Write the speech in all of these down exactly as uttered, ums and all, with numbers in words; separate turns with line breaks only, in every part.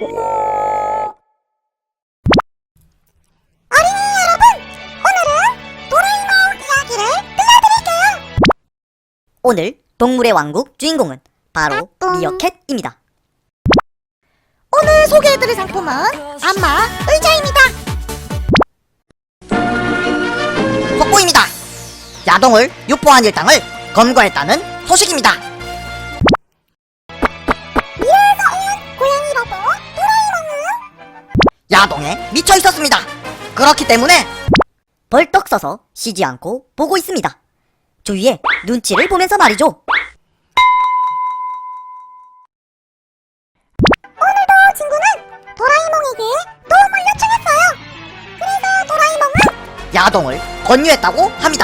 어린이 여러분, 오늘은 도라에몽 이야기를 들려드릴게요.
오늘 동물의 왕국 주인공은 바로 미어캣입니다.
오늘 소개해드릴 상품은 안마 의자입니다.
속보입니다. 야동을 유포한 일당을 검거했다는 소식입니다.
미래에서 온 고양이로봇 도라에몽은
야동에 미쳐 있었습니다. 그렇기 때문에 벌떡 서서 쉬지 않고 보고 있습니다. 주위에 눈치를 보면서 말이죠.
오늘도 친구는 도라에몽에게 도움을 요청했어요. 그래서 도라에몽은
야동을 권유했다고 합니다.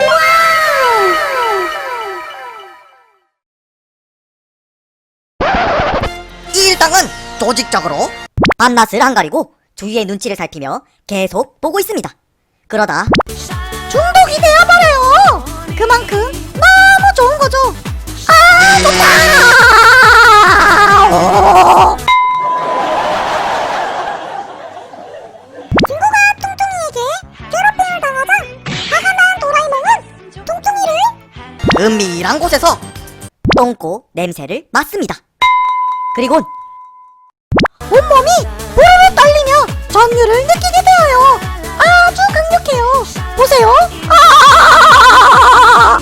이 일당은 조직적으로 밤낮을 안 가리고 주위의 눈치를 살피며 계속 보고 있습니다. 그러다
중독이 되어버려요. 그만큼 너무 좋은 거죠. 아, 좋다. 친구가 퉁퉁이에게 괴롭힘을 당하자 화가 난 도라에몽은 퉁퉁이를
은밀한 곳에서 똥꼬 냄새를 맡습니다. 그리곤
온몸이 보르르 떨리며 전율을 느끼게 되어요. 아주 강력해요. 보세요. 아!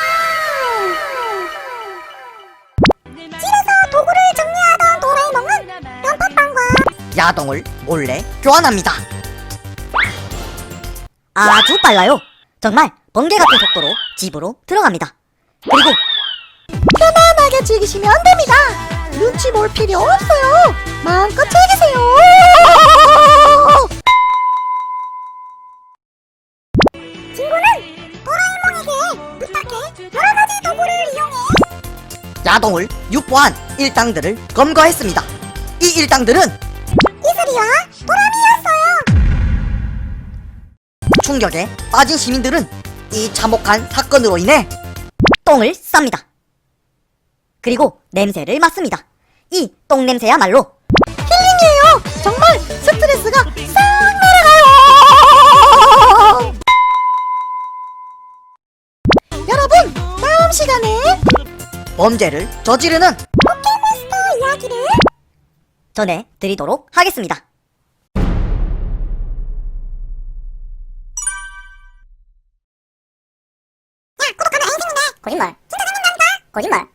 집에서 도구를 정리하던 도라에몽은 연팥빵과
야동을 몰래 교환합니다. 아주 빨라요. 정말 번개 같은 속도로 집으로 들어갑니다. 그리고
편안하게 즐기시면 됩니다. 눈치 볼 필요 없어요. 마음껏 즐기세요. 친구는 도라에몽에게 부탁해 여러 가지 도구를 이용해
야동을 유포한 일당들을 검거했습니다. 이 일당들은
이슬이와 도라미였어요.
충격에 빠진 시민들은 이 참혹한 사건으로 인해 똥을 쌉니다. 그리고 냄새를 맡습니다. 이 똥냄새야말로
힐링이에요. 정말 스트레스가 싹 날아가요. 여러분, 다음 시간에
범죄를 저지르는
포켓몬스터 이야기를
전해드리도록 하겠습니다.
야, 구독하면 인생인데
거짓말.
진짜 생각난다.
거짓말.